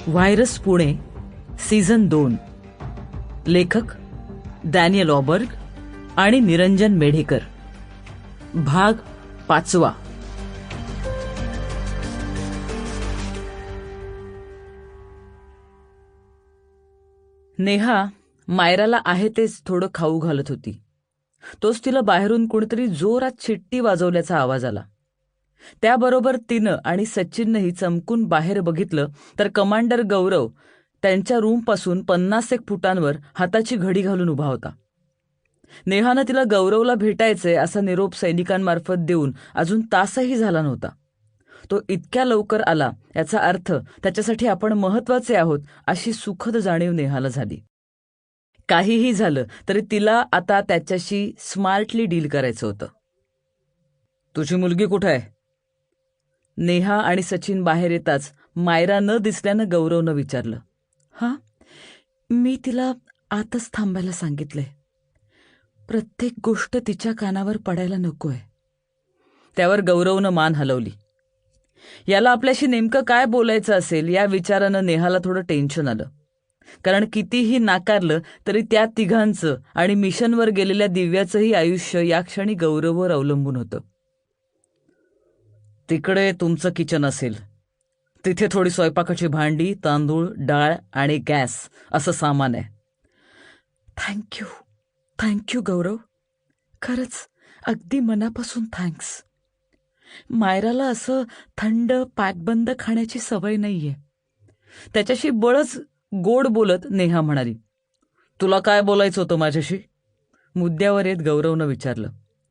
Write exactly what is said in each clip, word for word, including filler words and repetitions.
Virus Pune season दोन. लेखक Daniel ऑबर्ग आणि निरंजन मेढेकर. भाग पाचवा. नेहा मायराला आहे तेच थोडं खाऊ घालत होती. तोच तिला बाहेरून कोणीतरी जोरात शिट्टी वाजवल्याचा आवाज आला. त्याबरोबर तिनं आणि सचिननंही चमकून बाहेर बघितलं तर कमांडर गौरव त्यांच्या रूमपासून पन्नास एक फुटांवर हाताची घडी घालून उभा होता. नेहानं तिला गौरवला भेटायचंय असा निरोप सैनिकांमार्फत देऊन अजून तासही झाला नव्हता. तो इतक्या लवकर आला याचा अर्थ त्याच्यासाठी आपण महत्वाचे आहोत अशी सुखद जाणीव नेहाला झाली. काहीही झालं तरी तिला आता त्याच्याशी स्मार्टली डील करायचं होतं. तुझी मुलगी कुठे आहे? नेहा आणि सचिन बाहेर येताच मायरा न दिसल्यानं गौरवनं विचारलं. हा, मी तिला आतच थांबायला सांगितलंय. प्रत्येक गोष्ट तिच्या कानावर पडायला नकोय. त्यावर गौरवनं मान हलवली. याला आपल्याशी नेमकं काय बोलायचं असेल या विचारानं नेहाला थोडं टेन्शन आलं. कारण कितीही नाकारलं तरी त्या तिघांचं आणि मिशनवर गेलेल्या दिव्याचंही आयुष्य या क्षणी गौरववर अवलंबून होतं. तिकडे तुमचं किचन असेल, तिथे थोडी स्वयंपाकाची भांडी, तांदूळ, डाळ आणि गॅस असं सामान आहे. थँक्यू थँक्यू गौरव, खरंच अगदी मनापासून थँक्स. मायराला असं थंड पॅकबंद खाण्याची सवय नाहीये. त्याच्याशी बळच गोड बोलत नेहा म्हणाली. तुला काय बोलायचं होतं माझ्याशी? मुद्द्यावर येत गौरवनं विचारलं.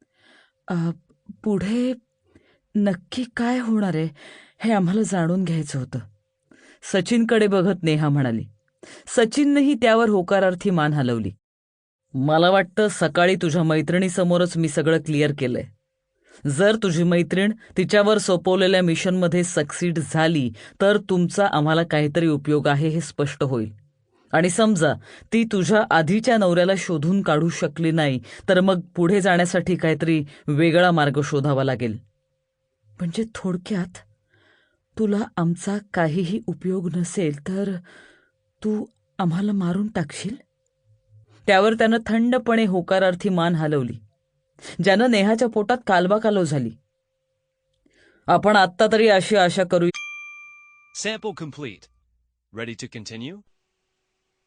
पुढे नक्की काय होणार आहे हे आम्हाला जाणून घ्यायचं होतं. सचिनकडे बघत नेहा म्हणाली. सचिननेही त्यावर होकारार्थी मान हलवली. मला वाटतं सकाळी तुझ्या मैत्रिणीसमोरच मी सगळं क्लिअर केलंय. जर तुझी मैत्रीण तिच्यावर सोपवलेल्या मिशनमध्ये सक्सीड झाली तर तुमचा आम्हाला काहीतरी उपयोग आहे हे स्पष्ट होईल. आणि समजा ती तुझ्या आधीच्या नवऱ्याला शोधून काढू शकली नाही तर मग पुढे जाण्यासाठी काहीतरी वेगळा मार्ग शोधावा लागेल. म्हणजे थोडक्यात तुला आमचा काहीही उपयोग नसेल तर तू आम्हाला मारून टाकशील? त्यावर त्यानं थंडपणे होकारार्थी मान हलवली, ज्यानं नेहाच्या पोटात कालवाकालव झाली. आपण आत्ता तरी अशी आशा करू. Sample complete. Ready to continue?